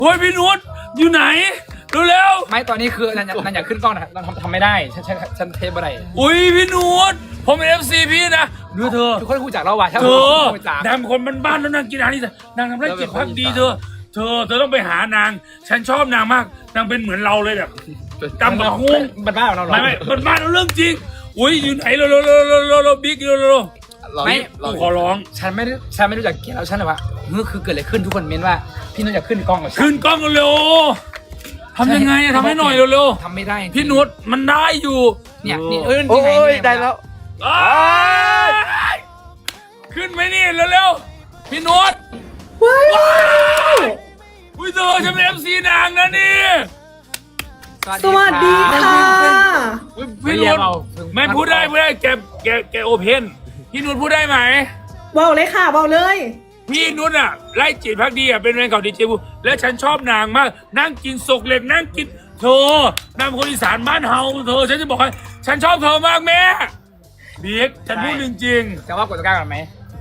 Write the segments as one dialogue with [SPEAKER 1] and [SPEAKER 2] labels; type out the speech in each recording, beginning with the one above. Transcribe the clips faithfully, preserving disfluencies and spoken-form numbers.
[SPEAKER 1] โอ้ยพี่นุชอยู่ไหนเร็ว
[SPEAKER 2] ไม่ตอนนี้คือนันนันอยากขึ้นกล้องนะนันทำทำไม่ได้ฉันฉันฉันเทปอะไร
[SPEAKER 1] ๆอุ้ยพี่นุชผมเป็นเอฟซีพี่นะดูเธอ
[SPEAKER 2] ทุกคนรู้จักเราว่ะใช่ไหม
[SPEAKER 1] เธอ
[SPEAKER 2] รู้จัก
[SPEAKER 1] นางเป็นคนบ้านๆแล้วนางกินอาหารนี่นางทำได้จิตพักดีเธอเธอเธอต้องไปหานางฉันชอบนางมากนางเป็นเหมือนเราเลยแบบจำกับหุ้ง
[SPEAKER 2] บ้านบ้านเรา
[SPEAKER 1] ไม่ไม่บ้านๆเราเรื่องจริงอุ้ยอยู่ไหนเร็วเร็วเร็วเร็วเร็วเร็วบิ๊กเร็วเร็ว
[SPEAKER 2] ไม่
[SPEAKER 1] กูขอร้อง
[SPEAKER 2] ฉันไม่ได้ฉันไม่รู้จักเกลียดแล้วฉันเลยว่าเมื่อคือเกิดอะไรขึ้นทุกคนเม้นว่าพี่นุชอยากขึ้นกล้องกับฉัน
[SPEAKER 1] ขึ้นกล้องเร็วทำยังไงอะทำให้หน่อยเร็ว
[SPEAKER 2] ทำไม่ได้
[SPEAKER 1] ๆพี่นุชมันได้อยู่
[SPEAKER 2] เนี่ยนี่เออ
[SPEAKER 3] โอ้
[SPEAKER 2] นี่ไง
[SPEAKER 3] ย
[SPEAKER 2] นี่ง
[SPEAKER 3] ได้แล้ว
[SPEAKER 1] อ้ายขึ้นไหมนี่เร็วๆพี่นุชว้าวอุ้ยเธอฉันเป็นเอฟซีนางนะนี่
[SPEAKER 4] สวัสดีค่ะ
[SPEAKER 1] อุ๊ยพี่นุชไม่พูดได้พูดได้แกแกแกโอเพนพี่นุชพูดได้ไหม
[SPEAKER 4] เบาเลยค่ะเบาเลย
[SPEAKER 1] พี่นุชอ่ะไล่จิตพักดีอ่ะเป็นแฟนเก่าดีเจบูและฉันชอบนางมากนั่งกินศกเหล็กนั่งกินเธอนางเป็นคนอีสานบ้านเฮาเธอฉันจะบอกให้ฉันชอบเธอมากแม่เบียกฉันพูดจริง
[SPEAKER 2] จะว่ากดตะกร้ากันไหม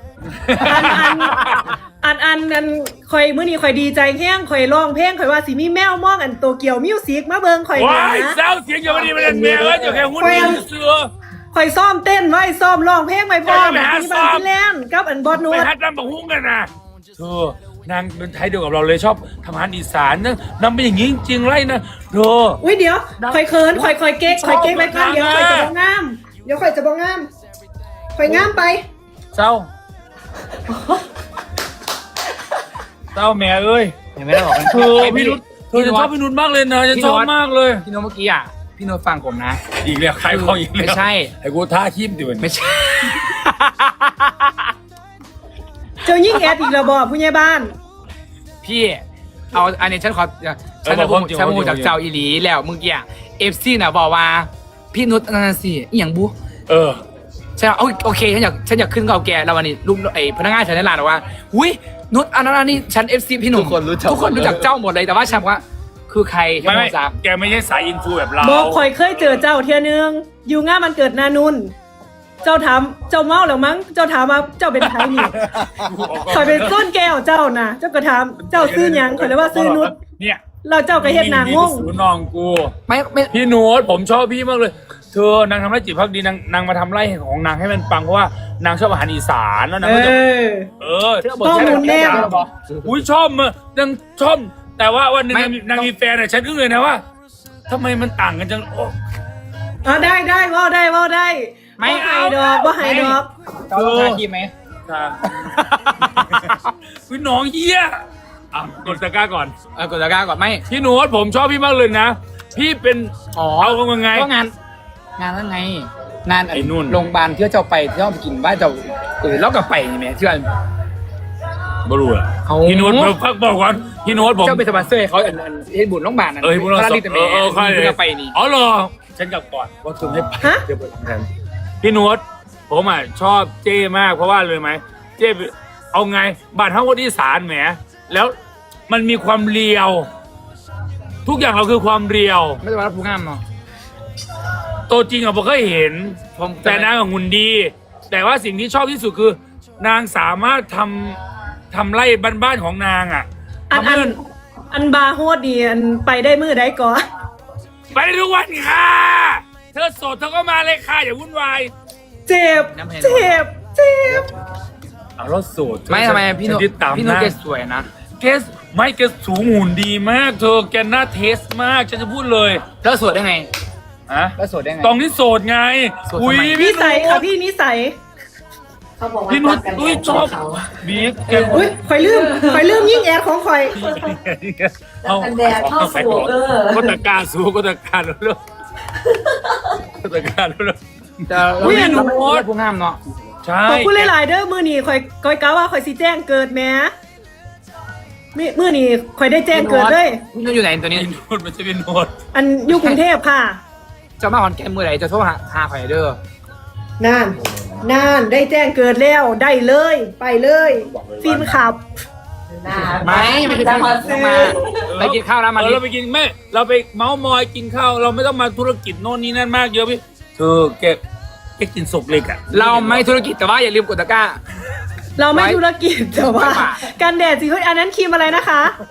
[SPEAKER 4] อันอันอันอันอันคอยมื้อนี้คอยดีใจแห้งคอยร้องเพลงคอยว่าสิมีแมวมองอันโตเกียวมิวสิกมาเบิ่งคอย
[SPEAKER 1] ๆ
[SPEAKER 4] นะ
[SPEAKER 1] ว้ายเศร้าเสียงอย่ามาดีมาเล่นเมียเอ้ยอย่าแค่หุ้นดีเสือ
[SPEAKER 4] คอยซ้อมเต้นไว้ซ้อมร้องเพลงไว้พร้อม
[SPEAKER 1] จะไปหา
[SPEAKER 4] ที่
[SPEAKER 1] ซ้
[SPEAKER 4] บ้า
[SPEAKER 1] อม
[SPEAKER 4] นที่แลนด์กับอันบอสนู
[SPEAKER 1] ไป
[SPEAKER 4] ด
[SPEAKER 1] ฮัดน้ำบักหุ้งกันนะเธอนางเป็นไทยเดียวกับเราเลยชอบทำอาหารอีสานนะนางเป็นอย่างนี้จริงๆไรนะเธอ
[SPEAKER 4] อุ้ยเดี๋ยวคอยเขินคอยคอยเก๊กคอยเก๊กไว้ก่อนเดี๋ยวคอยจะบ่งามเดี๋ยวคอยจะบ่งามคอยงามไป
[SPEAKER 1] เศร้าเศร้าแม่เอ้ย
[SPEAKER 2] ยังไม่ได้บอกกัน
[SPEAKER 1] เธอพี่นุชเธอจะชอบพี่นุชมากเลยนะฉันชอบมากเลย
[SPEAKER 2] พี่นุชเมื่อกี้อ่ะพี่นุชฟังผมนะ
[SPEAKER 1] อีกแล้วใครของอีกแล้ว
[SPEAKER 2] ไม่ใช่
[SPEAKER 1] ไอ้กูท่าขี้มดิมัน
[SPEAKER 2] ไม่ใช่
[SPEAKER 4] เจ้ายิ่งแอดอีกแล้วบ่ผู้ใหญ่บ้าน
[SPEAKER 2] พี่เอาอันนี้ฉันขอฉันจะพูดฉันพูดจากเจ้าอีหลีแล้วเมื่อกี้เอฟซีน่ะบอกว่าพี่นุชนั่นสิอหย่างบุ
[SPEAKER 1] เออ
[SPEAKER 2] ฉันเอาโอเคฉันอยากฉันอยากขึ้นเก่าแก่แล้ววันนี้ลูกไอ้พนักงานฉันในร้านบอกว่าหุ้ยนุชอันนั้นอันนี้ฉันเอฟซีพี่หนุ่ม
[SPEAKER 3] ทุกคนรู้จัก
[SPEAKER 2] ทุกคนรู้จักเจ้าหมดเลยแต่ว่าฉันบอกว่าคือใครฉัน
[SPEAKER 1] ไม่
[SPEAKER 2] ไม่
[SPEAKER 1] ไม่
[SPEAKER 2] รู้จัก
[SPEAKER 1] แกไม่ใช่สายอินฟูแบบเรา
[SPEAKER 4] บอกคอยเคยเจอเจ้าเทียนึงอยู่งานมันเกิดนานุนเจ้าถามเจ้าเมาแล้วมั้งเจ้าถามว่าเจ้าเป็นใครนี่คอยเป็นต้นแก้วเจ้านะเจ้าก็ถามเจ้าซื้อหยังคอยเลยว่าซื้อนุช
[SPEAKER 1] เนี่ย
[SPEAKER 4] เราเจ้าก็เฮ็ดหนางง
[SPEAKER 1] สูน้องกู
[SPEAKER 2] ไม่ไม่
[SPEAKER 1] พี่นุชผมชอบพี่มากเลย เธอนางทำไร่จิตพักดีนางนางมาทำไร่ของนางให้มันปังเพราะว่านางชอบอาหารอีสานแล้วนาง
[SPEAKER 4] เอ
[SPEAKER 1] ก็จะ
[SPEAKER 4] อ
[SPEAKER 1] เออ
[SPEAKER 4] ข้อมูลแน่น
[SPEAKER 1] อุ้ยชอบมานางชอบแต่ว่าวันหนึงนางมีนางมีแฟนอ่ะฉันอึ้งเลยนะว่าทำไมมันต่างกันจังโอ้
[SPEAKER 4] อ๋อได้ได้ว่าได้ว่าได้
[SPEAKER 2] ไม่
[SPEAKER 4] บ่ให้ดอกบ่ให้ดอก
[SPEAKER 2] เจ้าต้องทาครีมไหม
[SPEAKER 1] ค่ะพี่น้องเหี้ยอ่ะกดตะกร้าก่อน
[SPEAKER 2] เออกดตะกร้าก่อนไม่
[SPEAKER 1] พี่หนูผมชอบพี่มากเลยนะ พี่เป็น
[SPEAKER 2] อ๋อ
[SPEAKER 1] เอากันไง
[SPEAKER 2] ก็งานงานนั้นไงงาน
[SPEAKER 1] ไอ้นู่น
[SPEAKER 2] โรงพยาบาลที่เจ้าไปที่เจ้าไปกินบ้านเจ้าเออแล้วก็ไปนี่แม่ที่ว่า
[SPEAKER 1] บรูอะ
[SPEAKER 2] เอา
[SPEAKER 1] พี่โน้ตผมพักบอกก่อนพี่โน้ตผม
[SPEAKER 2] เจ้าเป็นสปอนเซอร์ให้เขาอันอันเฮ็ดบุญโรงพยาบาลนั่น
[SPEAKER 1] เออพี่โน้ต
[SPEAKER 2] พระลิต
[SPEAKER 1] เอ
[SPEAKER 2] แม่
[SPEAKER 1] อเออใคร
[SPEAKER 2] ที่เราไปนี่
[SPEAKER 1] อ๋อเหรอฉันกลับก่อนว่าคุณให้ไป
[SPEAKER 4] ฮะ
[SPEAKER 1] เดี๋ยวไปแทนพี่โน้ตผมอ่ะชอบเจ้มากเพราะว่าเลยไหมเจ้เอาไงบ้านทั้งคนที่สารแหมแล้วมันมีความเรียว ทุกอย่างเราคือความเรียว
[SPEAKER 2] ไม่ใช่ว่าผู้งามเนาะ
[SPEAKER 1] ตัวจริงอะผมเคยเห็น
[SPEAKER 2] ผม
[SPEAKER 1] แต่นางอะหุ่นดี แต่ว่าสิ่งที่ชอบที่สุดคือ นางสามารถทำทำไร่บ้านๆของนางอะ
[SPEAKER 4] อัน
[SPEAKER 1] ทำ
[SPEAKER 4] อั
[SPEAKER 1] ให้
[SPEAKER 4] นอันบาร์โฮดดีอันไปได้มือได้ก่อน
[SPEAKER 1] ไปได้ทุกวันค่ะ เธอโสดเธอก็มาเลยค่ะอย่าวุ่นวาย
[SPEAKER 4] เจ็บ เจ็บ เจ็บ
[SPEAKER 1] เอาเราโสด
[SPEAKER 2] ไม่ทำไมพี่นุ
[SPEAKER 1] ฉั
[SPEAKER 2] ช
[SPEAKER 1] ยึดตาม
[SPEAKER 2] พี่นุช
[SPEAKER 1] นะ
[SPEAKER 2] แกสวยนะ
[SPEAKER 1] เกสไม่เกสสูงหุ่นดีมาก เธอแกหน้าเทสมากฉันจะพูดเลย
[SPEAKER 2] แล้วสวยได้ไง
[SPEAKER 1] อะ
[SPEAKER 2] แล้วสวยได้ไง
[SPEAKER 1] ตองที่โสดไง
[SPEAKER 2] โสดทำไม
[SPEAKER 1] อุ้ย
[SPEAKER 4] นิ
[SPEAKER 1] พี่
[SPEAKER 4] สัยค่ะพี่นิสัย
[SPEAKER 5] เขาบอกว่า
[SPEAKER 1] พี่นุช
[SPEAKER 5] รักกัน
[SPEAKER 1] อุ้ย
[SPEAKER 5] แบบ
[SPEAKER 1] ชอบ
[SPEAKER 5] เขา
[SPEAKER 1] บิ๊กแก
[SPEAKER 4] อุ้ยคอยลืมคอยลืมยิ่งแอดของคอย
[SPEAKER 1] เอา
[SPEAKER 5] รักกันแดดเข้าสู่เออ
[SPEAKER 1] ก็ตะการสู้ก็ตะการเร็วๆก็ตะการเร็ว
[SPEAKER 2] แต่เราไม่เราไม่ใช่ผู้งามเนาะ
[SPEAKER 1] ๆใช่
[SPEAKER 4] ขอบคุณหลายๆเด้อมือนี้คอยคอยกะว่าคอยสิแจ้งเกิดแหม้มือมือนี้คอยได้แจ้งเกิดเลย
[SPEAKER 2] พี่นุชอยู่ไหนตัวนี้
[SPEAKER 1] พี่โน้ตมันจะเป็นโน้ต
[SPEAKER 4] อันอยู่กรุงเทพค่ะ
[SPEAKER 2] เจ้ามาขอนแก่นมือไหนจะโทรหาหาไผ่เด้อ
[SPEAKER 4] นานนานได้แจ้งเกิดแล้วได้เลย ไปเลยฟินขับ
[SPEAKER 2] ไม่ไม่ได้
[SPEAKER 5] มา
[SPEAKER 2] มา
[SPEAKER 5] ซื้อ
[SPEAKER 2] มาไปกินข้าวแล้วมา
[SPEAKER 1] เออเราไปกินแม่เราไปเมาส์มอยกินข้าวเราไม่ต้องมาธุรกิจโน่นนี่นั่นมากเยอะพี่เธอแกแกกินศพเล็กอ่ะ
[SPEAKER 2] เราไม่ธุรกิจแต่ว่าอย่าลืมกดตะกร้า
[SPEAKER 4] เราไม่ธุรกิจแต่ว่า
[SPEAKER 2] ไม่ป่ะ
[SPEAKER 4] กันแดดสิเฮ้ยอันนั้นครีมอะไรนะคะ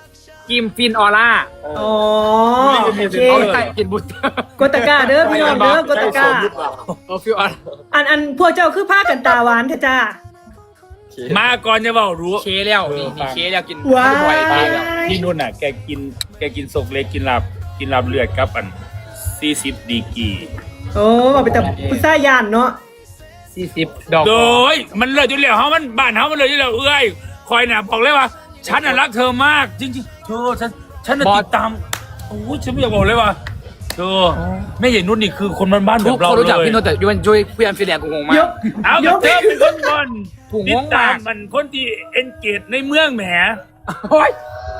[SPEAKER 2] กิมฟินออร่า
[SPEAKER 4] อ๋อโอเค
[SPEAKER 2] เอาใส่กินบุตร
[SPEAKER 4] กดตะกร้าเด้อพี่น้องเด้อกดตะกร้า
[SPEAKER 2] เอาฟิวออร่า
[SPEAKER 4] อันอันพวกเจ้าคือผ้ากันตาหวานเถอะจ้า
[SPEAKER 1] มาก่อนจะบอกรู้
[SPEAKER 2] เคแล้วนี่นี่เคแล้วกิน
[SPEAKER 4] ว้าย
[SPEAKER 2] บ่อยเคแล้ว
[SPEAKER 1] พี่นุ่นอ่ะแกกินแกกินสกเล็กกินลาบกินลาบเลือดครับอันสี่สิบดีกรี
[SPEAKER 4] โอ้บอกไปแต่พุซ่ายานเนาะ
[SPEAKER 2] สี่สิบดอก
[SPEAKER 1] โดยมันเลยจนเหลียวเฮามันบ้านเฮามันเลยจนเหลียวเอ้ยคอยน่ะบอกเลยว่า ฉันน่ะรักเธอมาก จริงๆเธอฉันฉันน่ะติดตามโอ้ยฉันไม่อยากบอกเลยว่าเธอแม่ใหญ่นุ่นนี่คือคนบ้านๆแบ
[SPEAKER 2] ทุก
[SPEAKER 1] บเรา
[SPEAKER 2] คน
[SPEAKER 1] เลย
[SPEAKER 2] รู้จักพี่โนตแต่ยวนจุ้ยพี่อันฟิลแลนด์กูงงมาก
[SPEAKER 4] ยก
[SPEAKER 1] เอา
[SPEAKER 4] ย
[SPEAKER 1] กับ
[SPEAKER 4] ก
[SPEAKER 1] เธอเป็นคนบน
[SPEAKER 2] ถูก
[SPEAKER 1] ติ
[SPEAKER 2] ง
[SPEAKER 1] ด
[SPEAKER 2] ง
[SPEAKER 1] ตาม
[SPEAKER 2] าม ก
[SPEAKER 1] มันคนที่เอนเกจในเมืองแหม
[SPEAKER 2] โอ้ย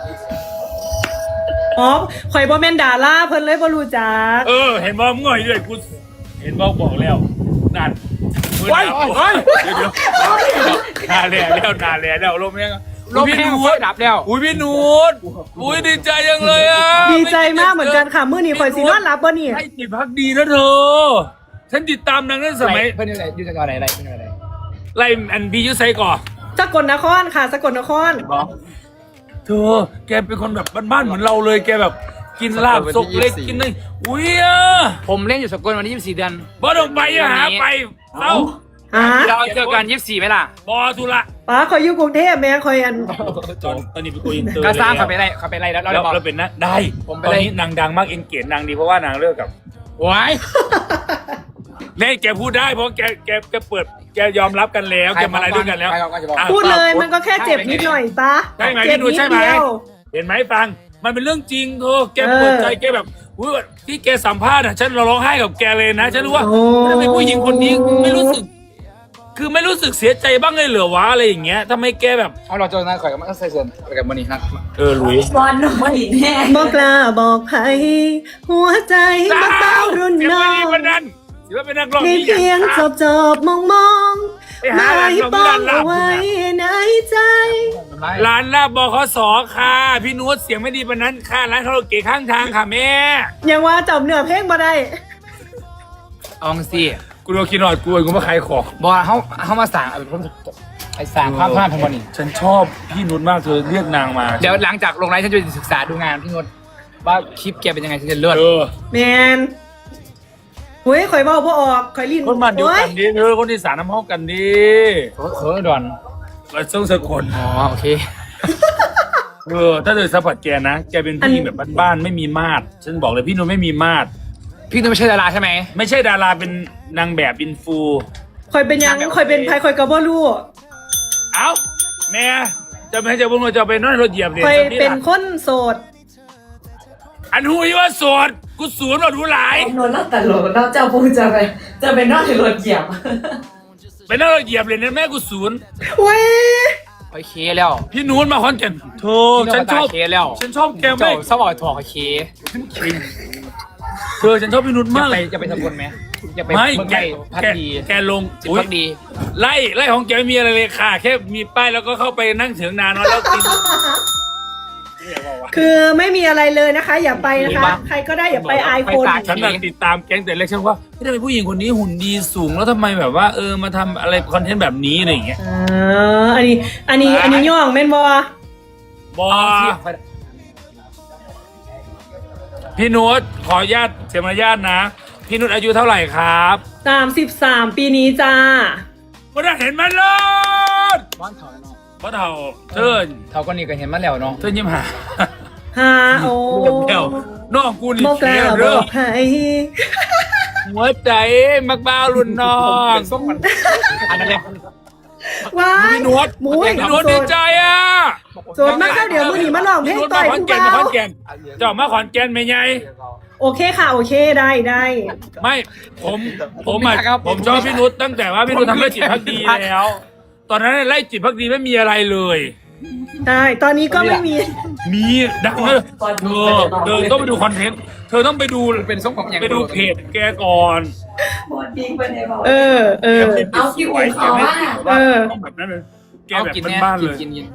[SPEAKER 4] อ๋อข่อยบ่แม่นดาราเพิ่นเลยบ่รู้จัก
[SPEAKER 1] เออ เห็นบอกง่อยด้วยกูเห็นบอกบอกแล้วนั่นโอ้ยโอ้ยเดี๋ยวเดี๋ยวนาแหล่แล้วนาแหล่แล้วลมยัง
[SPEAKER 2] ลมแห้งไฟดับแล้ว
[SPEAKER 1] อุ้ยพี่นูดอุ้ยดีใจยังเลยอ่ะ
[SPEAKER 4] ดีใจมากเหมือนกันค่ะมื้อนี้ข่อยสินอนหลับบ่นี่
[SPEAKER 1] ให้จิตพักดีนะเธอ ฉันติดตามนางตั้งแต่สมัย
[SPEAKER 2] เพื่อนอยู่ไหนอยู่จังหวัดไหนอะไรเพื่อนอยู่ไหน
[SPEAKER 1] ไล่อันพียุไซก่อน
[SPEAKER 4] สกลนครค่ะสกลนคร
[SPEAKER 1] เธอ แกเป็นคนแบบบ้านๆเหมือนเราเลย แกแบบกินลาบซกเล็กกินนี่อุ้ยอ่ะ
[SPEAKER 2] ผมเล่นอยู่สกลวันที่ยี่สิบสี่เดือน
[SPEAKER 1] บ่ต้องไปอ่ะหาไปเอ้า
[SPEAKER 4] ฮะ
[SPEAKER 2] เราเจอกันยี่สิบสี่ไหมล่ะ
[SPEAKER 1] บอทุละ
[SPEAKER 4] ป้าข่อยอยู่กรุงเทพแม่ข่อยอัน
[SPEAKER 1] ตอนตอนนี้ไปคุยอินเตอร์
[SPEAKER 2] ก็สร้าง
[SPEAKER 1] แล้ว
[SPEAKER 2] เขาไปไรเขาไปไรแล้วเรา
[SPEAKER 1] แล้ว
[SPEAKER 2] บอก
[SPEAKER 1] เราเป็นนักได้
[SPEAKER 2] ผมไป
[SPEAKER 1] ตอน
[SPEAKER 2] เลย
[SPEAKER 1] นี้นางดังมากเอ็นเกจนางดีเพราะว่านางเลิกกับ
[SPEAKER 2] ว้าย
[SPEAKER 1] เน่แกพูดได้เพราะแกแกแกเปิดแกยอมรับกันแล้วแกมาอะไรด้วยกันแล้ว
[SPEAKER 2] ใครเขาก็จะบอก
[SPEAKER 1] อ่ะ
[SPEAKER 4] พูดเลยมันก็แค่เจ็บนิดหน่อยป้า
[SPEAKER 1] ใช่ไหม
[SPEAKER 4] เจ็บ
[SPEAKER 1] พี่หนู
[SPEAKER 4] นิด
[SPEAKER 1] ใช่ไหม
[SPEAKER 4] เดียว
[SPEAKER 1] เห็นไหมฟัง มันเป็นเรื่องจริงโธ่แกเปิดใจแกแบบอุ๊ยที่แกสัมภาษณ์อ่ะฉันร้องไห้กับแกเลยนะฉันรู้ว่า
[SPEAKER 4] โอ้
[SPEAKER 1] ทำไมผู้หญิงคนนี้ไม่รู้สึก คือไม่รู้สึกเสียใจบ้างเลยเหรอวะอะไรอย่างเงี้ยทำไมแกแบบ
[SPEAKER 2] เอาเราเจอหน้าข่อยกับมันใส่ส่วนกับมันนี่นะ
[SPEAKER 1] เออหลุย
[SPEAKER 5] บอลหน่อยแน่
[SPEAKER 4] บอกกล้าบอกใครหัวใจมาเต้ารุ่น
[SPEAKER 1] เสียง
[SPEAKER 4] น้อ
[SPEAKER 1] ไม่ดี
[SPEAKER 4] ง
[SPEAKER 1] วันนั้นเสียงเป็นนักร้อง
[SPEAKER 4] ใน
[SPEAKER 1] ที่
[SPEAKER 4] เพียงจบจบมองมอง
[SPEAKER 1] ไปหา
[SPEAKER 4] ไม่
[SPEAKER 1] ร้าน
[SPEAKER 4] ป้อง
[SPEAKER 1] ร้านลาบ
[SPEAKER 4] เอาไว้ในใจ
[SPEAKER 1] ร้านลาบบขสค่ะพี่นุชเสียงไม่ดีวันนั้นค่ะร้านคาราโอเกะข้างทางค่ะแม่
[SPEAKER 4] ยังว่าจำเนื้อเพลงมาได้
[SPEAKER 2] อองซี่
[SPEAKER 1] กูโดนกินหน่อยกูกูมาขายของ
[SPEAKER 2] บอกเขาเขามาสั่งไอ้สั่งภาพภาพทั้งวันนี้
[SPEAKER 1] ฉันชอบพี่นุชมากเธอเรียกนางมา
[SPEAKER 2] เดี๋ยวหลังจากลงไลฟ์ฉันจะไปศึกษาดูงานพี่นนท์ว่าคลิปแกเป็นยังไงฉันจะเลื่อน
[SPEAKER 1] เออ
[SPEAKER 4] แมนเฮ้ยข่อยเบาบ่ออกข่อยลิ้น
[SPEAKER 1] คนมันเดียว
[SPEAKER 4] โอ้
[SPEAKER 1] กันดิเธอคนที่สารน้ำห้องกันดิ
[SPEAKER 2] เออดอน
[SPEAKER 1] มาส่งสกล
[SPEAKER 2] อ๋อโอเค
[SPEAKER 1] เออถ้าเธอสัมผัสแกนะแกเป็นผู้หญิงแบบบ้านๆไม่มีมาดฉันบอกเลยพี่นุชไม่มีมาด
[SPEAKER 2] พี่นนท์ไม่ใช่ดาราใช่ไหม
[SPEAKER 1] ไม่ใช่ดาราเป็นนางแบบอินฟู
[SPEAKER 4] ข่อยเป็นหยังข่อยเป็นไผข่อยก็บ่รู้
[SPEAKER 1] เอ้าแม่จะไม่ให้จะบุญจะไปนอนรถเหยียบเลย
[SPEAKER 4] ข่อยเป็นคนโสด
[SPEAKER 1] อันหูยว่าโสดกูสูนย์ว่ารู้หลาย
[SPEAKER 5] นนท์แล้วแต่โหลดแล้วเจ้าพูดจะไปจะไปนอกในรถเหยียบ
[SPEAKER 1] ไปนอนรถเหยียบเลยนะแม่กูศูนย์
[SPEAKER 4] เว้ย
[SPEAKER 2] โอเคแล้ว
[SPEAKER 1] พี่นูนมาคอนแก่นโธ่
[SPEAKER 2] พี่น
[SPEAKER 1] ฉั
[SPEAKER 2] น
[SPEAKER 1] น
[SPEAKER 2] ท์
[SPEAKER 1] ช
[SPEAKER 2] ตา
[SPEAKER 1] อบ
[SPEAKER 2] เคแล้ว
[SPEAKER 1] ฉันชอบแก
[SPEAKER 2] เจ้า
[SPEAKER 1] ไม่
[SPEAKER 2] สวอยถอดโอเค
[SPEAKER 1] เธอฉันชอบพี่นุช
[SPEAKER 2] จะ
[SPEAKER 1] มาก
[SPEAKER 2] ไป
[SPEAKER 1] เลย
[SPEAKER 2] จะไปสกลไหมจะไป
[SPEAKER 1] ไม่
[SPEAKER 2] เมือง
[SPEAKER 1] แก
[SPEAKER 2] ไร่พัก
[SPEAKER 1] แก
[SPEAKER 2] ดี
[SPEAKER 1] แกลง
[SPEAKER 2] จิต
[SPEAKER 1] อุ๊ย
[SPEAKER 2] พักดี
[SPEAKER 1] ไล่ไล่ของแกไม่มีอะไรเลยค่ะ แค่มีป้ายแล้วก็เข้าไปนั่งเถียงนานแล้วกิน
[SPEAKER 4] คือไม่มีอะไรเลยนะคะ อย่าไปนะคะ ใครก็ได้อย่าไปอายคน
[SPEAKER 1] ฉันน่ะติดตามแก๊งแต่เล็กฉันว่าไม่ได้เป็นผู้หญิงคนนี้หุ่นดีสูงแล้วทำไมแบบว่าเออมาทำอะไรคอนเทนต์แบบนี้อะไรอย่างเงี้ย
[SPEAKER 4] อ่าอันนี้ อันนี้อันนี้ย่องแม่นบ่
[SPEAKER 1] บอพี่นุชขออนุญาตเสียมารยาทนะ พี่นุชอายุเท่าไหร่ครับ
[SPEAKER 4] สามสิบสามปีนี้จ้า
[SPEAKER 1] ก็ได้เห็นมันเลย
[SPEAKER 2] บ้านเขาเนาะ
[SPEAKER 1] เพราะเท่าเธอ
[SPEAKER 2] เขาก็นี่ก็เห็นมาแล้วเนาะ
[SPEAKER 1] เธอยิ้มหา
[SPEAKER 4] ฮาโอ้
[SPEAKER 1] เดี๋ยวน้องกูนี่
[SPEAKER 4] บอกก
[SPEAKER 1] เขี
[SPEAKER 4] ล้า
[SPEAKER 1] ยว
[SPEAKER 4] บ
[SPEAKER 1] เด้
[SPEAKER 4] อ
[SPEAKER 1] อก
[SPEAKER 4] ใคร
[SPEAKER 1] หัวใจมักบ้าวรุ่นน้อง
[SPEAKER 2] ส้มมันอันนั้นเลย
[SPEAKER 4] ว้าย
[SPEAKER 1] พี่นวด
[SPEAKER 4] หมู
[SPEAKER 1] พี่นวดดีใจอ่ะ
[SPEAKER 4] โสดมากแล้วเดี๋ยวมือหนีมาลองเพลง
[SPEAKER 1] พี่นวด
[SPEAKER 4] ต่
[SPEAKER 1] มา
[SPEAKER 4] อย
[SPEAKER 1] ขอน
[SPEAKER 4] ผู้
[SPEAKER 1] แก่น
[SPEAKER 4] เบา
[SPEAKER 1] มาขอนแก่นเจ้ามาขอนแก่นไหมไง
[SPEAKER 4] โอเคค่ะ โอเคได้ได้
[SPEAKER 1] ไม่ผมผมอ่ะผมชอบพี่นุชตั้งแต่ว่าพี่นุชทำไร่จิตพักดีแล้ว ตอนนั้นไร่จิตพักดีไม่มีอะไรเลย
[SPEAKER 4] ได้ ตอนนี้ก็ไม่มี
[SPEAKER 1] มีดังเลยเธอเธอต้องไปดูคอนเทนต์เธอต้องไปดู
[SPEAKER 2] เป็นส้มของอย่าง
[SPEAKER 1] ไปดูเพจแกก่อน
[SPEAKER 5] บอลดีไปไหนบอก
[SPEAKER 4] เออ เออ
[SPEAKER 5] เอาคิวเขาว่า
[SPEAKER 4] เออ
[SPEAKER 1] ต้องแบบนั้นเลยแก
[SPEAKER 2] เอา
[SPEAKER 1] แบบ
[SPEAKER 2] กินแน่
[SPEAKER 1] บ้านๆเลย
[SPEAKER 2] กินกิน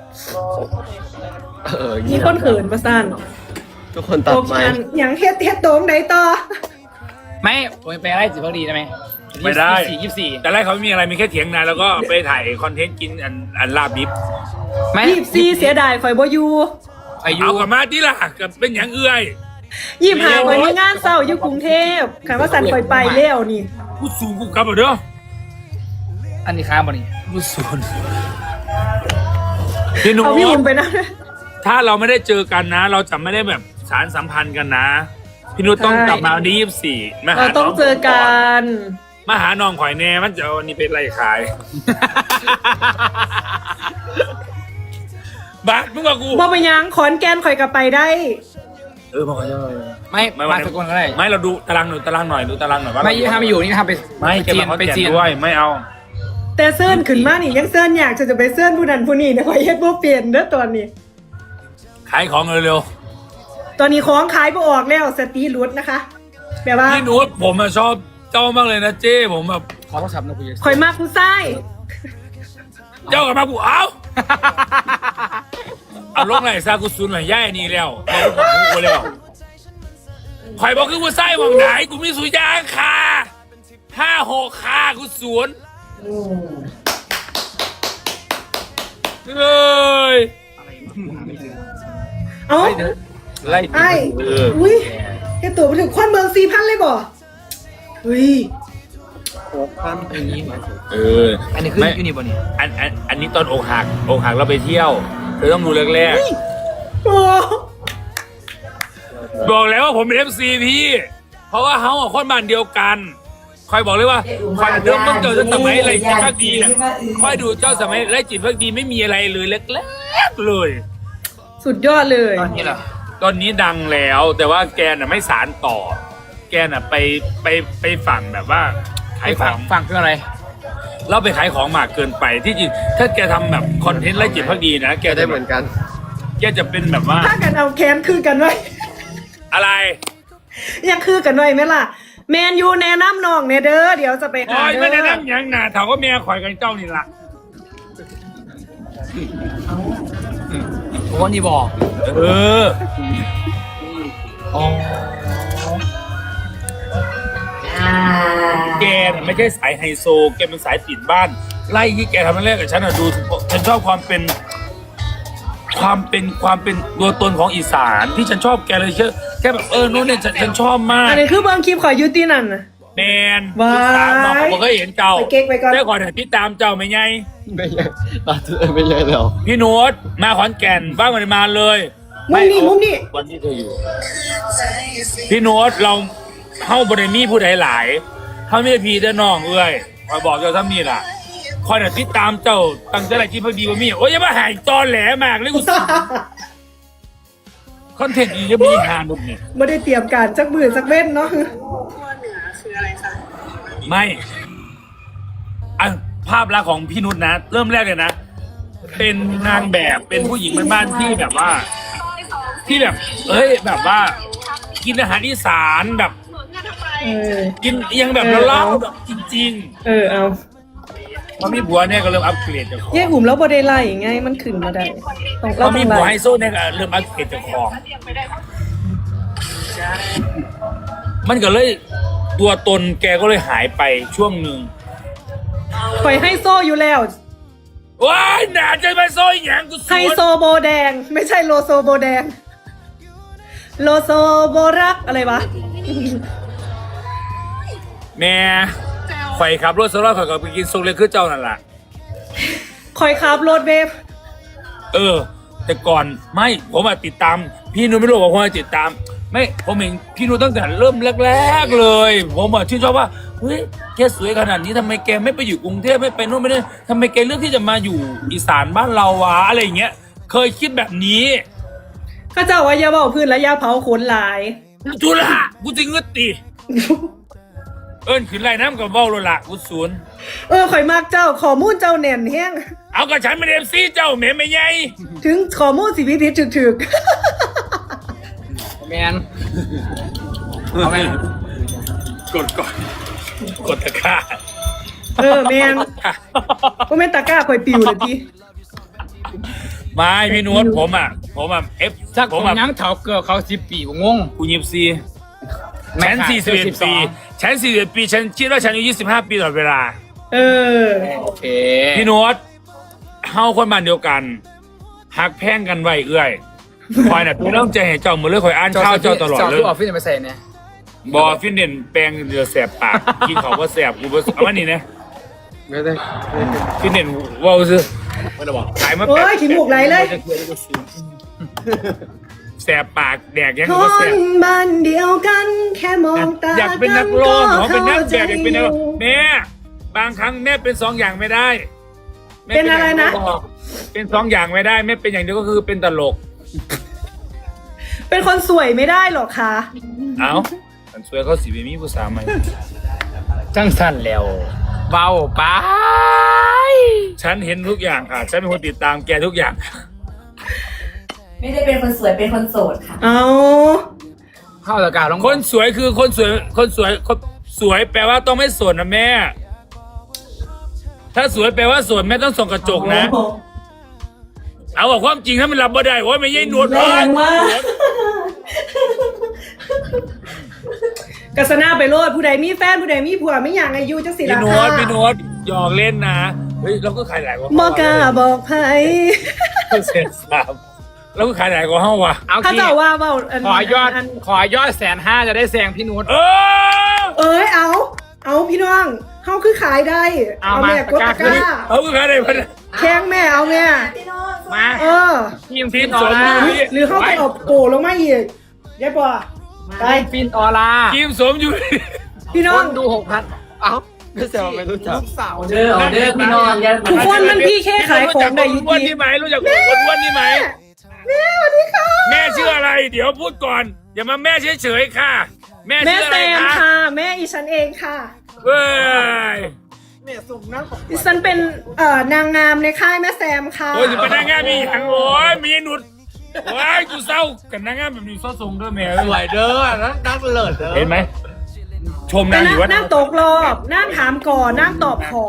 [SPEAKER 3] เออ
[SPEAKER 4] มีคนเขินประสัน
[SPEAKER 3] ทุกคนตัด
[SPEAKER 4] โอ
[SPEAKER 3] ไหม
[SPEAKER 4] เคอย่างเฮ็ดเฮ็ดโตมไหนต่อ
[SPEAKER 2] ไม่ผมไปไล่จิตพักดีได้ไหม
[SPEAKER 1] ไม่ได้
[SPEAKER 2] ยี่สิบสี่ยี่สิบสี่
[SPEAKER 1] แต่แรกเขาไม่มีอะไรมีแค่เถียงนาแล้วก็ไปถ่ายคอนเทนต์กินอันอันลาบดิบ
[SPEAKER 2] ไม่
[SPEAKER 4] รีบซีเสียดายข่อยบ่อยู่
[SPEAKER 2] อายุ
[SPEAKER 1] เอากลับมาที่ล่ะกับเป็นอย่างเอื้อย
[SPEAKER 4] ยี่หาคอยมีงานเศร้าอยู่กรุงเทพค่ะว่าสันคอยไปแล้วนี่
[SPEAKER 1] กูสูงกูกลับมาเด้อ
[SPEAKER 2] อันนี้ค้างบ่นี่
[SPEAKER 1] กูสูงพี่หนู
[SPEAKER 4] เอาพี่หุ่นไปนะ
[SPEAKER 1] ถ้าเราไม่ได้เจอกันนะ เราจะไม่ได้แบบสารสัมพันธ์กันนะ พี่นุชต้องกลับมาวันที่ยี่สิบสี่มา
[SPEAKER 4] เรา
[SPEAKER 1] หา
[SPEAKER 4] ต้องเจอกัน
[SPEAKER 1] มาหาน้องข่อยแน่มันจะเอาอันนี้เป็นไรขาย บาสมึงกับกู
[SPEAKER 4] บ่ไปยังขอนแกนคอยกลับไปได้
[SPEAKER 1] เออมาขอโทษ
[SPEAKER 2] ไม่
[SPEAKER 1] ไม่
[SPEAKER 2] มา
[SPEAKER 1] ไม่
[SPEAKER 2] สกลก็ได้
[SPEAKER 1] ไม่เราดูตารางหน่อยตารางหน่อยดูตารางหน่อยว่า
[SPEAKER 2] ไม่ยี่ห้าไม่อยู่นี่ทำไป
[SPEAKER 1] ไม่
[SPEAKER 2] ไป
[SPEAKER 1] เก็บ
[SPEAKER 2] จีน
[SPEAKER 1] มาเขา
[SPEAKER 2] ไป
[SPEAKER 1] แก่
[SPEAKER 2] จีน
[SPEAKER 1] ด้วยไม่เอา
[SPEAKER 4] แต่เสื้อนขึ้นมานี่ยังเสื้อนอยากจะจะไปเสื้อนผู้นั้นผู้นี้นะคอยเฮ็ดบ่เปลี่ยนเด้อตอนนี้
[SPEAKER 1] ขายของเร็ว
[SPEAKER 4] ตอนนี้ของขายบ่ออกแล้วสตีรุดนะคะแบบว่า
[SPEAKER 1] ๆพี่นุชผมอะชอบเจ้ามากเลยนะเจ้ผมแบบ
[SPEAKER 2] ขอโทรศัพท์นะคุย
[SPEAKER 4] คอยมากผู้ชาย
[SPEAKER 1] เจ้ากับมากูเอาเอาลงไหนซากุซุนหน่อยย่ายนี่แล้วเอากูกูแล้วข่อยบอกคือกูไส้หวังไหนกูมีสุยางคาห้าหกคากูสวนเอ้ย
[SPEAKER 4] เอ้า
[SPEAKER 1] ไล่
[SPEAKER 4] ไอ้
[SPEAKER 1] เออ
[SPEAKER 4] อุ้ยแกตัวไปถึงควันเมืองสี่พันเลยบ่เฮ้ย
[SPEAKER 2] อันนี้
[SPEAKER 1] เออ
[SPEAKER 2] อันนี้คือ
[SPEAKER 1] ไม่
[SPEAKER 2] ยูนิบอนี่
[SPEAKER 1] อันอันอันนี้ตอนอกหักอกหักเราไปเที่ยวเธอต้องดูแรก
[SPEAKER 4] โอ้
[SPEAKER 1] ๆบอกแล้วว่าผมเป็นเอฟซีพี่ เพราะว่าเขาอะคนบ้านเดียวกันคอยบอกเลยว่าคอยเริ่มต้องเจอตั้งสมัยอะไรจิตพักดีน่ะคอยดูเจ้าสมัยไรจิตพักดีไม่มีอะไรเลยแรกๆเลย
[SPEAKER 4] สุดยอดเลย
[SPEAKER 2] ตอนนี้เหรอ
[SPEAKER 1] ตอนนี้ดังแล้วแต่ว่าแกน่ะไม่สารต่อ แกน่ะไปไปไปฝั่งแบบว่าขายข
[SPEAKER 2] ฟั
[SPEAKER 1] อง ง
[SPEAKER 2] ฟังคืออะไร
[SPEAKER 1] เราไปขายของมากเกินไปที่จริงถ้าแกทำแบบคอนเทนต์ไรจิตพักดีนะแก
[SPEAKER 3] ได้
[SPEAKER 1] จะ
[SPEAKER 3] เหมือนกัน
[SPEAKER 1] แกจะเป็นแบบว่า
[SPEAKER 4] ถ้ากันเอาแคนคือกันไว้
[SPEAKER 1] อะไร
[SPEAKER 4] อยากคือกันไว้ไหมล่ะ แมนยูแนะนำน้องเนเด้อเดี๋ยวจะไปหา
[SPEAKER 1] โอ้ย
[SPEAKER 4] เด้
[SPEAKER 1] ไม่ได้
[SPEAKER 4] อ
[SPEAKER 1] นั่งหยังหนาเถาก็เมียข่อยกันเจ้านี่ละ
[SPEAKER 2] ผมว่านี่บอก
[SPEAKER 1] เออ
[SPEAKER 2] อ๋อ
[SPEAKER 1] แกน่ะไม่ใช่สายไฮโซ แกเป็นสายติดบ้าน ไล่ที่แกทำนั่นแรกกับฉันอะดูฉันชอบความเป็น ความเป็นความเป็นตัวตนของอีสานที่ฉันชอบแกเลยเชื่อแกแบบเออโน่นเนี่ยฉันฉันชอบมาก
[SPEAKER 4] อันนี้คือเบิ่งคลิปขอยอยูตีนั่นน่ะ
[SPEAKER 1] แมน
[SPEAKER 4] ว้าย
[SPEAKER 1] ติดตามน้องผมก็เห็นเจ้า
[SPEAKER 4] ไปเก๊กไปก่อน
[SPEAKER 1] ได้ก่อนติดตามเจ้าไหมไง
[SPEAKER 3] ไม่ใช่ตอนที่ไม่ใช่แล้ว
[SPEAKER 1] พี่โน้ตมาขอนแก่นบ้างมันมาเลย
[SPEAKER 4] มุมนี้มุมนี้
[SPEAKER 1] วันที่เธออยู่ พี่โน้ตเราเข้าบริมีผู้ใดหลายเขาไม่ได้พีแต่น้องเอ้ยคอยบอกเจ้าถ้ามีล่ะคอยน่ะติดตามเจ้าตั้งใจอะไรที่พอดีว่ามีโอ้ยอย่ามาหายตอนแหลมากเลยกูสิคอนเทนต์อีกจะมีหาดุนี่
[SPEAKER 4] ไม่ได้เตรียมการสักหมื่นสักเว้นเนาะ
[SPEAKER 1] ไม่อ่ะภาพลักษณ์ของพี่นุชนะ เริ่มแรกเลยนะ เป็นนางแบบเป็นผู้หญิงบ้านๆที่แบบว่า ที่แบบ เอ้ยแบบว่า กินอาหารอีสานแบบ
[SPEAKER 4] เออ
[SPEAKER 1] กินยังแบบ
[SPEAKER 4] เออ
[SPEAKER 1] เล่า
[SPEAKER 4] เอา
[SPEAKER 1] ๆแบบจริง
[SPEAKER 4] เออเอา
[SPEAKER 1] ๆพอมีผัวเนี่ยก็เริ่มอัปเกรดจากของ
[SPEAKER 4] แย่อุ่มแล้วบ่ได้ไล่ไงมันขึ้นมาได้ต้อง
[SPEAKER 1] พ
[SPEAKER 4] เรา
[SPEAKER 1] อ
[SPEAKER 4] ต้
[SPEAKER 1] มี
[SPEAKER 4] อง
[SPEAKER 1] ผัว
[SPEAKER 4] ไล่
[SPEAKER 1] ไฮโซเนี่ยก็เริ่มอัปเกรดจากของ มันก็เลยตัวตนแกก็เลยหายไปช่วงหนึ่ง
[SPEAKER 4] ข่อยให้โซ่อยู่แล้ว
[SPEAKER 1] ว้ายหนาใจไปโซ่หยังกูส
[SPEAKER 4] ไฮ
[SPEAKER 1] วน
[SPEAKER 4] โซโบแดง ไม่ใช่โลโซโบแดง โลโซโบรักอะไรวะ
[SPEAKER 1] แม่ข่อยขับรถสลอดข่อยก็ไปกินซุกเล็กคือเจ้านั่นแหละ
[SPEAKER 4] คอยขับรถเวฟ
[SPEAKER 1] เออ แต่ก่อนไม่ผมอะติดตาม พี่นุ้ยไม่รู้ว่าผมอะติดตาม ไม่ผมเห็นพี่นุ้ยตั้งแต่เริ่มแรกๆเลย ผมอะชื่นชอบว่าเฮ้ยแกสวยขนาดนี้ทำไมแกไม่ไปอยู่กรุงเทพไม่ไปนู่นไม่ได้ทำไมแกเลือกที่จะมาอยู่อีสานบ้านเราวะอะไรอย่างเงี้ย เคยคิดแบบนี้
[SPEAKER 4] ข้าเจ้าว่าอย่าเบาพื้นและอย่าเผาขนหลาย
[SPEAKER 1] จุละกูจริงเงือตีเอิ้นขึ้นไรน้ำกับเบ้าโลละกูศูนย์
[SPEAKER 4] เออข่อยมากเจ้าข้อมูลเจ้าแน่นแห้ง
[SPEAKER 1] เอากับฉันเป็นเอฟซีเจ้าแม่ไม่ใหญ่
[SPEAKER 4] ถึงข้อมูลสิพิพิธถึก
[SPEAKER 2] แมนเอาแมน
[SPEAKER 1] กดก่อนกดตะกร้า
[SPEAKER 4] ๆเออแมนก็ไม่นตะกร้าข่อยปิวเลยพี่
[SPEAKER 1] ไม่พี่นุชผมอ่ะ ผมอ่ะเอฟ
[SPEAKER 2] จาก
[SPEAKER 1] ผ
[SPEAKER 2] ผม ม
[SPEAKER 1] อ่ะ
[SPEAKER 2] ยังเถาเกือเขาสิบปีผมงง
[SPEAKER 1] กูยิบซีฉันสี่สิบเอ็ดปีฉันสี่สิบเอ็ดปีฉันคิดว่าฉันอายุยี่สิบห้าปีตลอดเวลา
[SPEAKER 4] เออ
[SPEAKER 2] โอเค
[SPEAKER 1] พี่นุชเฮาคนบ้านเดียวกันหักแพงกันไว้เอื้อยคอยน่ะตัวต้องใจให้เจ้ามือเลยคอยอ่านข้าวเจ้าตลอด
[SPEAKER 2] เจ้า
[SPEAKER 1] เล
[SPEAKER 2] คื
[SPEAKER 1] ย
[SPEAKER 2] อออฟฟิศมาใส่เนี่ย
[SPEAKER 1] บอฟินเด่นแปลงเดือดแสบปากกินของว่าแสบกูบ่เอามานี่นะ
[SPEAKER 3] ไม่ได้
[SPEAKER 1] ฟินเด่นว่าวซื้อขายมา
[SPEAKER 4] โอ้ยขี้มูกไหลเลย
[SPEAKER 1] แสบปากแดกยัง
[SPEAKER 4] ค
[SPEAKER 1] กูว่าแส
[SPEAKER 4] น
[SPEAKER 1] บ
[SPEAKER 4] บ้านเดียวกันแค่มองตา
[SPEAKER 1] อยากเป็นนักร้องขอเป็นนักแบบ
[SPEAKER 4] ใจ
[SPEAKER 1] อยากเป็นนักร้องแม่บางครั้งแม่เป็นสองอย่างไม่ได้แม่
[SPEAKER 4] เป็นอะไรนะ
[SPEAKER 1] เป็นสองอย่างไม่ได้แม่เป็นอย่างเดียวก็คือเป็นตลก
[SPEAKER 4] เป็นคนสวยไม่ได้หรอกคะ
[SPEAKER 1] เอ้าฉันสวยเขาสีเบมีผู้สาวใหม่
[SPEAKER 2] จังสั้นแล้วเบาไป
[SPEAKER 1] ฉันเห็นทุกอย่างค่ะฉันเป็นคนติดตามแกทุกอย่าง
[SPEAKER 5] ไม่ได้เป็นคนสวยเป็นคนโสดค่ะ
[SPEAKER 4] เอา
[SPEAKER 2] เข้าตะการลง
[SPEAKER 1] คนสวยคือคนสวยคนสวยคนสวยแปลว่าต้องไม่สวยนะแม่ ถ้าสวยแปลว่าสวยแม่ต้องส่องกระจกนะ เอาบอกความจริงถ้ามันรับบ่ได้โอ้ยไม่ใช่หนวด
[SPEAKER 4] แรงมากกัสนาไปโลดผู้ใดมีแฟนผู้ใดมีผัวไม่อย่างอายุจังสิ
[SPEAKER 1] พี่
[SPEAKER 4] ล่ะ
[SPEAKER 1] โน
[SPEAKER 4] ค่ะ
[SPEAKER 1] ตพี่โนตหยอกเล่นนะเฮ้ยเราก็ขายหลายกว่า
[SPEAKER 4] บอกล้าบอกไผ
[SPEAKER 1] เสร็จสามเราก็ขายหลายกว่าเฮาวะ
[SPEAKER 2] เอา
[SPEAKER 4] ถ้า
[SPEAKER 2] ขี้
[SPEAKER 4] เจ้าว่าเว้าอัน
[SPEAKER 2] ขอยอด
[SPEAKER 4] น
[SPEAKER 2] ขอยอดแสนห้าจะได้แซงพี่นุช
[SPEAKER 1] เออ
[SPEAKER 4] เอ้ยเอา เอาพี่น้องเฮาคือขายได้
[SPEAKER 2] เอา
[SPEAKER 4] แม่
[SPEAKER 2] มาก
[SPEAKER 4] ดตะ
[SPEAKER 2] ตะ
[SPEAKER 4] ก
[SPEAKER 2] กร้า
[SPEAKER 4] ร้า
[SPEAKER 1] เอาก็ขายได้พัน
[SPEAKER 4] แข้งแม่เอาแม่
[SPEAKER 5] พี่น้อง
[SPEAKER 2] มา
[SPEAKER 4] เออ
[SPEAKER 2] ทีม
[SPEAKER 1] ที
[SPEAKER 2] ฟิ
[SPEAKER 1] ม
[SPEAKER 2] นอ
[SPEAKER 1] ส
[SPEAKER 2] อ
[SPEAKER 1] ม
[SPEAKER 2] ร่า
[SPEAKER 1] อยู่
[SPEAKER 4] หรือเขาไปเอาโปลงมาอีกยายปอไป
[SPEAKER 2] ฟินออร่า
[SPEAKER 1] ทีมสมอยู่
[SPEAKER 4] พี่น้อ
[SPEAKER 2] ค
[SPEAKER 4] ง
[SPEAKER 2] นดูหกพัน
[SPEAKER 3] เอ้าไม่ใช่ว่าไม่รู้จัก
[SPEAKER 5] เด้อเอาเด้อพี่น้องอย่า
[SPEAKER 4] ทุกคนมันพี่แค่ขายของได้อยุ
[SPEAKER 1] คนอ้วน
[SPEAKER 4] ติ
[SPEAKER 1] นี่ไหมรู้จักคนอ้วนนี่ไหม
[SPEAKER 4] แม่สวัสดีค่ะ
[SPEAKER 1] แม่ชื่ออะไร เดี๋ยวพูดก่อน อย่ามาแม่เฉยๆค่ะ แม่
[SPEAKER 4] แม่
[SPEAKER 1] ชื่ออะ
[SPEAKER 4] แซ
[SPEAKER 1] ไร
[SPEAKER 4] ม
[SPEAKER 1] คะ
[SPEAKER 4] ค่ะ แม่อีฉันเองค่ะ
[SPEAKER 1] เว้ย
[SPEAKER 4] ดิฉันเป็นเอ่อนางงามในค่ายแม่แซมค่ะ
[SPEAKER 1] โอ้ยจะเป็นนางงามมีอย่างโอ้ยมีหนุดโอ้ยกูเศร้ากับนางงามแบบนี้ซอทรงด้วยแม่
[SPEAKER 3] สวยเด้อนั่งนั่งเลิศเด้อ
[SPEAKER 1] เห็นไหมชม
[SPEAKER 4] แต่
[SPEAKER 1] นางอ
[SPEAKER 4] นั่ง
[SPEAKER 1] ยู่ว่า
[SPEAKER 4] นั่งตกรอบนั่งถามก่อนนั่งตอบขอ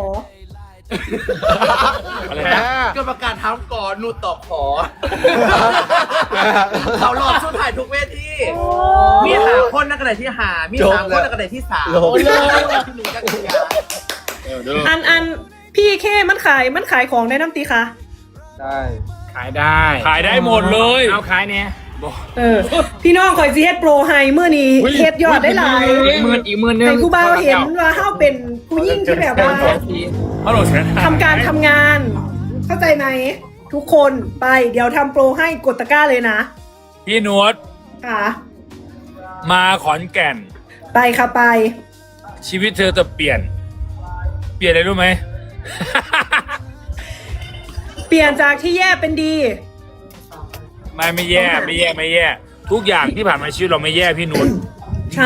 [SPEAKER 1] อะไร
[SPEAKER 3] แหม
[SPEAKER 1] นะ
[SPEAKER 3] กรรมการทำก่อนนูตอบขอ เขาหลอกชุดถ่ายทุกเวที
[SPEAKER 6] มีหาคนนักกระไดที่หา มีสามคนนักกระไดที่สาม
[SPEAKER 3] โลก
[SPEAKER 6] ที่หนูกันยา
[SPEAKER 4] อันอันพี่เคมันขายมันขายของได้น้ำตีคะ
[SPEAKER 3] ได้
[SPEAKER 2] ขายได้
[SPEAKER 1] ขายได้หมดเลย
[SPEAKER 2] เอาขายเนี่ย
[SPEAKER 4] เออ พี่น้องคอยซีเฮ็ดโปรไฮเมื่อนี้เฮ็ดยอดได้หลาย
[SPEAKER 2] อีกหมื่นอีกหมื่นหนึง
[SPEAKER 4] แต่ครูบาวเห็นว่าเฮาเป็นผู้ยิ่งที่แบบว่า
[SPEAKER 1] ฮัลโหลแชท
[SPEAKER 4] ทำการทำงาน เข้าใจไหมทุกคนไปเดี๋ยวทำโปรให้กดตะกร้าเลยนะ
[SPEAKER 1] พี่หนวด
[SPEAKER 4] ค่ะ
[SPEAKER 1] มาขอนแก่น
[SPEAKER 4] ไปค่ะไป
[SPEAKER 1] ชีวิตเธอจะเปลี่ยน เปลี่ยนอะไรรู้ไหม
[SPEAKER 4] เปลี่ยนจากที่แย่เป็นดี
[SPEAKER 1] ไม่ไม่แย่ไม่แย่ไม่แย่ ทุกอย่างที่ผ่านมาชีวิตเราไม่แย่พี่หนุน
[SPEAKER 4] ใช่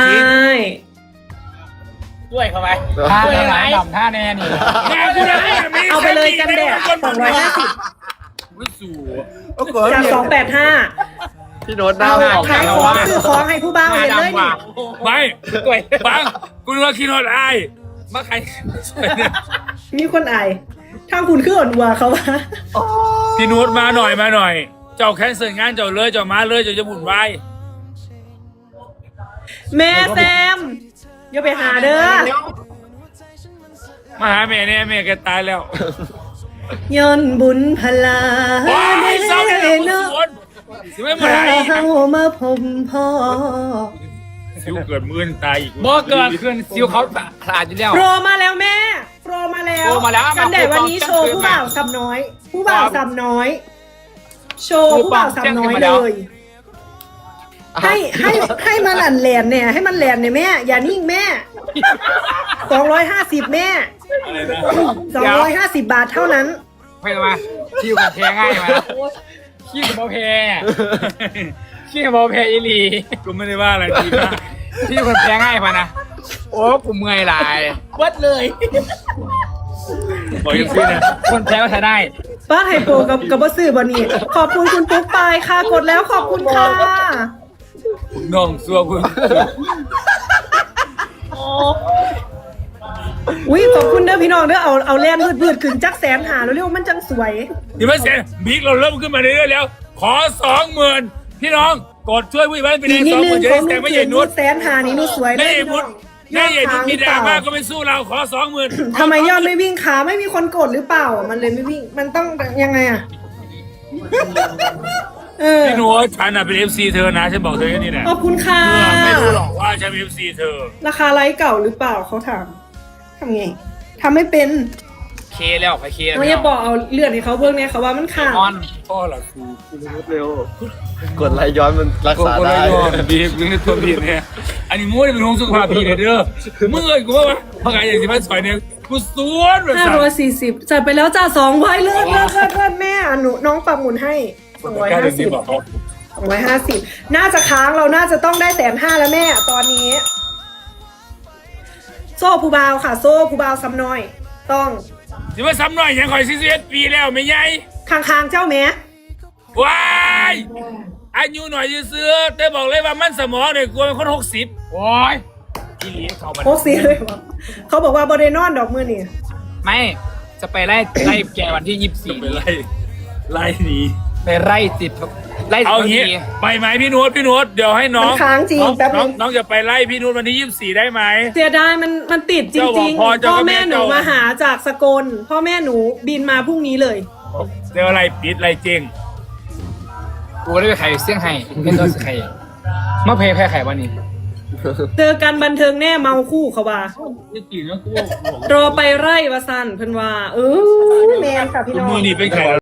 [SPEAKER 2] ด้วยเข้าไปท่าแน่ไหนดำท่าแน่นี่
[SPEAKER 1] แม่กูได้มี
[SPEAKER 4] เอาไปเลยกันแดดสองร้อยห้าสิบ
[SPEAKER 1] ไม่สู่
[SPEAKER 4] จากสองแปดห้า
[SPEAKER 3] พี่โน้ตหน้า
[SPEAKER 4] เอา
[SPEAKER 3] ออก
[SPEAKER 4] ขายของซื้อของให้ผู้บ้าวเห็นเลยนี่
[SPEAKER 1] ไม่ฟังกูนึกว่าคิดว่าอายมาใคร
[SPEAKER 4] มีคนอายทางคุณคืออ่อนวัวเขาวะ
[SPEAKER 1] พี่หนุนมาหน่อยมาหน่อย เจ้าแคนเซิลงานเจ้าเลยเจ้ามาเลยเจ้าจะบุ่นวาย
[SPEAKER 4] แม่แซมอย่าไปหาเด้อ
[SPEAKER 1] มาหาแม่เนี่ยแม่แกตายแล้ว
[SPEAKER 4] ย้อนบุญพลา
[SPEAKER 1] ว้ายเศร้าเลย
[SPEAKER 4] เนาะ
[SPEAKER 1] คนสิไม่มาหาอีก
[SPEAKER 4] เฮามาพบพ่อ
[SPEAKER 1] สิวเกิดมื่นตายอีก
[SPEAKER 2] บ่เกินคืนซิวเขาขาดอยู่แล้ว
[SPEAKER 4] โปรมาแล้วแม่โปรมาแล้ว
[SPEAKER 2] โปรมาแล้ว
[SPEAKER 4] กันแดดวันนี้โชว์ผู้บ่าวสำน้อย ผู้บ่าวสำน้อย โชว์ผู้บ่าวสำน้อยเลย ให้ให้ให้มันหลั่นแหลนเนี่ย ให้มันแหลนเนี่ยแม่ อย่านิ่งแม่สองร้อยห้าสิบแม่
[SPEAKER 1] อะไรนะ
[SPEAKER 4] สองร้อยห้าสิบบาทเท่านั้น
[SPEAKER 2] ไม่ต้องมาคิวกับแพ้ง่ายมาคิวกับโมแพ้คิวกับโมแพ้อีหลี
[SPEAKER 1] กูไม่ได้ว่าอะไรดีมาก
[SPEAKER 2] คิวกับแพ้ง่ายมานะโอ้กูเมื่อยหลาย
[SPEAKER 6] วัดเลย
[SPEAKER 1] บอกยังซี่นะ
[SPEAKER 2] คนแพ้ก็ใช้ได้
[SPEAKER 4] บ้านไฮโปรกับกับบอสซื้อบอนี่ขอบคุณคุณปุ๊กปายค่ะ กดแล้วขอบคุณค่ะ
[SPEAKER 1] น้องซัวคุณ
[SPEAKER 4] อุ้ยขอบคุณเด้อพี่น้องเด้อเอาเอาแลนพืดๆขึ้นจักแสนหาแล้วเรียกว่ามันจังสวย
[SPEAKER 1] ที่ไม่เสร็จบิ๊กเราเริ่มขึ้นมาเรื่อยๆแล้ว ขอสองหมื่นพี่น้องกดช่วยผู้ใหญ่บ้านไป
[SPEAKER 4] อี
[SPEAKER 1] เลย
[SPEAKER 4] กนิ
[SPEAKER 1] ส
[SPEAKER 4] ด
[SPEAKER 1] องห
[SPEAKER 4] นึ
[SPEAKER 1] มื่
[SPEAKER 4] ง
[SPEAKER 1] นจะ
[SPEAKER 4] ขอ
[SPEAKER 1] ได้
[SPEAKER 4] ง
[SPEAKER 1] แต่
[SPEAKER 4] นุ่
[SPEAKER 1] ไม่ใหญ่
[SPEAKER 4] น
[SPEAKER 1] นุช
[SPEAKER 4] แสนหานี่นุ่สวยเล
[SPEAKER 1] ไม่
[SPEAKER 4] ย
[SPEAKER 1] ใหญ่นุชไม่ใหญ่นุชมีดราม่าก็ไม่สู้เราขอสองหมื่น
[SPEAKER 4] ทำไมยอดไม่วิ่งขาไม่มีคนกดหรือเปล่า มันเลยไม่วิ่ง มันต้องยังไงอ่ะเออ
[SPEAKER 1] พี่หนูฉันอ่ะเป็นเอฟซีเธอนะฉันบอกเธอแค่นี้แหละ
[SPEAKER 4] ขอบคุณค่ะ
[SPEAKER 1] เออไม่รู้หรอกว่าฉันเป็นเอฟซีเธอ
[SPEAKER 4] ราคาไลฟ์เก่าหรือเปล่าเขาถามทำไงทำไม่เป็น
[SPEAKER 2] เคแล้วไปเคแล้ว
[SPEAKER 4] น้องอย่าบอกเอาเลื่อนให้เขาเบิ่งเนี่ยเขาว่ามันขาด
[SPEAKER 2] มอน
[SPEAKER 1] พ่อเหรอครู
[SPEAKER 3] เร็ว กดไลค์ย้อนมันรักษาได้
[SPEAKER 1] บีบยังในตัวบีบเนี่ยอันนี้งูเนี่ยเป็นห่วงสุขภาพพี่เลยเด้อเมื่อกูว่าเพราะไงอย่างที่มันสอยเนี่ยกูสวนแบบ
[SPEAKER 4] ห้า
[SPEAKER 1] สั่
[SPEAKER 4] ร้อยสี่สิบจัดไปแล้วจ้าสองไว้เลื่อนเลื่อนเลื่อนเลื่อนแม่หนูน้องปรับหมุนให้สองร้อยห้าสิบสองร้อยห้าสิบน่าจะค้างเราน่าจะต้องได้แสนห้าแล้วแม่ตอนนี้ โซ่ผู้บาวค่ะ โซ่ผู้บาวซ้ำน้อย ต้อง
[SPEAKER 1] ที่ว่าซ้ำหน่อยยังคอยซีซีเอสปีแล้วไม่ใหญ่
[SPEAKER 4] คางคางๆเจ้าแม่
[SPEAKER 1] ว้ายอายุหน่อยซื้อแต่บอกเลยว่ามันสมองเนี่ยกลัวเป็นคนหกสิบ
[SPEAKER 2] โอ้ยอีหลีเขาบัน
[SPEAKER 4] โคตรเสียเลยวะเขาบอกว่าบอดนอนดอกมือนี่
[SPEAKER 2] ไม่จะไปไล่ไล่แกวันที่ยี่สิบสี่
[SPEAKER 1] ไปไล่ไล่หนี
[SPEAKER 2] ไปไล่ติดไล่
[SPEAKER 1] เอา
[SPEAKER 2] ติด
[SPEAKER 1] งี้
[SPEAKER 2] ที
[SPEAKER 1] ไปไหมพี่นุชพี่นุชเดี๋ยวให้น้อง
[SPEAKER 4] มันค้างจริง
[SPEAKER 1] น้อง
[SPEAKER 4] แป๊บ
[SPEAKER 1] น้
[SPEAKER 4] นึ
[SPEAKER 1] อง
[SPEAKER 4] ง
[SPEAKER 1] น้องจะไปไล่พี่นุชวันที่ยี่สิบสี่ได้ไหม
[SPEAKER 4] เสียดายมันมันติดจ
[SPEAKER 1] เจ้าบอ
[SPEAKER 4] ริ
[SPEAKER 1] ก
[SPEAKER 4] ง
[SPEAKER 1] พ่อ
[SPEAKER 4] ๆ
[SPEAKER 1] เจ้า
[SPEAKER 4] พ่อ
[SPEAKER 1] ก็ไม่
[SPEAKER 4] แม่หนู
[SPEAKER 1] เจ้าม
[SPEAKER 4] มาหาจากสกลพ่อแม่หนูบินมาพรุ่งนี้เลย
[SPEAKER 1] เดี๋ยวอะไรปิดอะไรเจง
[SPEAKER 2] กูได้ไปไข่เสี่ยงไฮ้เป็นตัวไข่มาเพย์แพ้ไข่วันนี้
[SPEAKER 4] เจอกันบันเทิงแน่เมาคู่เขาว่า
[SPEAKER 1] นี่กินแล้วกู
[SPEAKER 4] รอไปไร่วาสันเพิ่นว่า เออแมนค่ะพี่น้อง
[SPEAKER 1] มือนี่เป็นไข่